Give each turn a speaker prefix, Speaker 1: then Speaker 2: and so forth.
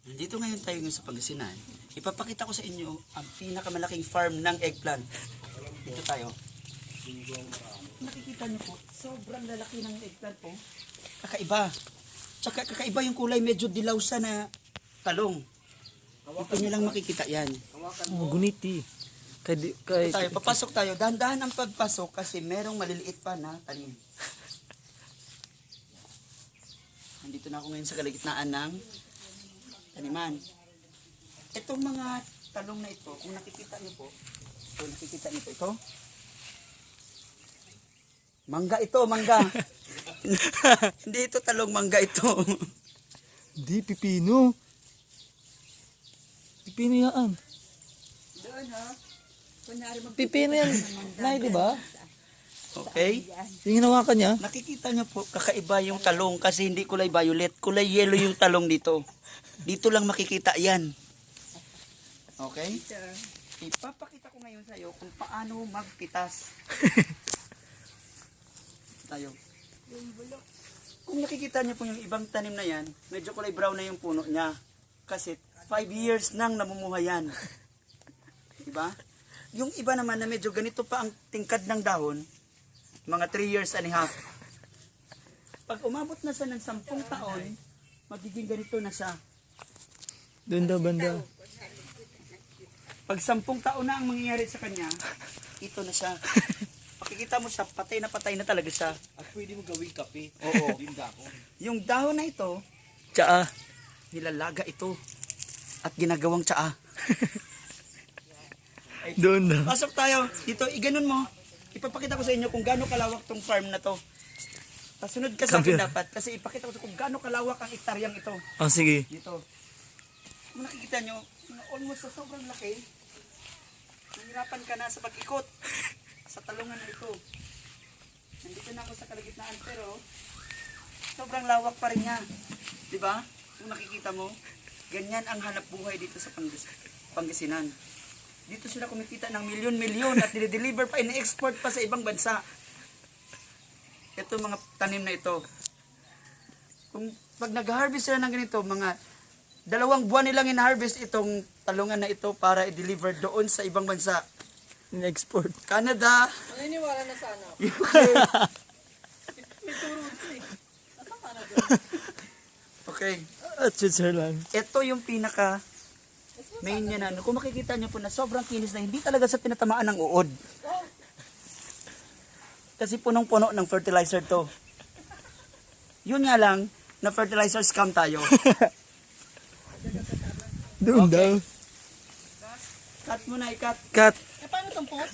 Speaker 1: Nandito ngayon tayo sa Pangasinan. Ipapakita ko sa inyo ang pinakamalaking farm ng eggplant. Dito tayo. Nakikita niyo po, sobrang lalaki ng eggplant po. Kakaiba. Tsaka kakaiba yung kulay, medyo dilaw sa na talong. Ito niyo lang makikita yan.
Speaker 2: Oh, guniti.
Speaker 1: Dito tayo, papasok tayo. Dahan-dahan ang pagpasok kasi merong maliliit pa na tanim. Nandito na ako ngayon sa kalagitnaan ng taniman. Itong mga talong na ito, kung nakikita niyo po, ito, mangga ito, mangga. Hindi ito talong, mangga ito.
Speaker 2: Di, pipino. Pipino yan.
Speaker 1: Doon ha.
Speaker 2: Pipino yan. Nay, di ba?
Speaker 1: Okay?
Speaker 2: Yung hinawakan niya.
Speaker 1: Nakikita niyo po, kakaiba yung talong kasi hindi kulay violet, kulay yellow yung talong dito. Dito lang makikita yan. Okay? Ipapakita ko ngayon sa iyo kung paano magpitas. Tayo. Kung nakikita niyo po yung ibang tanim na yan, medyo kulay brown na yung puno niya. Kasi 5 years nang namumuhay yan. Diba? Yung iba naman na medyo ganito pa ang tingkad ng dahon, mga 3 years and a half. Pag umabot na siya ng 10 taon, magiging ganito na siya.
Speaker 2: Doon daw banda.
Speaker 1: Pag 10 taon na ang mangyayari sa kanya, ito na siya. Pakikita mo siya, patay na talaga siya.
Speaker 3: At pwede mo gawing kape.
Speaker 1: Oo.
Speaker 3: Yung dako.
Speaker 1: Yung dahon na ito,
Speaker 2: Tsaa.
Speaker 1: nilalaga ito. At ginagawang tsaa.
Speaker 2: Doon daw.
Speaker 1: Pasok tayo. Dito, iganon mo. Ipapakita ko sa inyo kung gaano kalawak tong farm na to. Pasunod ka sa akin dapat. Kasi ipakita ko sa kung gaano kalawak ang ektaryang ito.
Speaker 2: Oh, sige.
Speaker 1: Dito. Kung nakikita nyo, almost sa sobrang laki, nahirapan ka na sa pag-ikot sa talungan na ito. Nandito na ako sa kalagitnaan pero sobrang lawak pa rin niya. Diba? Kung nakikita mo, ganyan ang hanap buhay dito sa Pangasinan. Dito sila kumikita ng milyon-milyon at dinideliver pa, ina-export pa sa ibang bansa. Ito mga tanim na ito. Kung pag nag-harvest sila ng ganito, mga 2 buwan nilang in-harvest itong talungan na ito para i-deliver doon sa ibang bansa.
Speaker 2: In-export.
Speaker 1: Canada.
Speaker 4: Naniniwala na sana.
Speaker 1: UK. Okay.
Speaker 2: At Switzerland.
Speaker 1: Ito yung pinaka main niya na. Kung makikita niyo po na sobrang kinis na hindi talaga sa tinatamaan ng uod. Kasi punong-puno ng fertilizer to. Yun nga lang, na fertilizer scam tayo.
Speaker 2: Doon
Speaker 1: Okay.
Speaker 2: daw.
Speaker 1: Cut mo na, i-cut.
Speaker 2: Cut.
Speaker 4: Eh, paano itong post?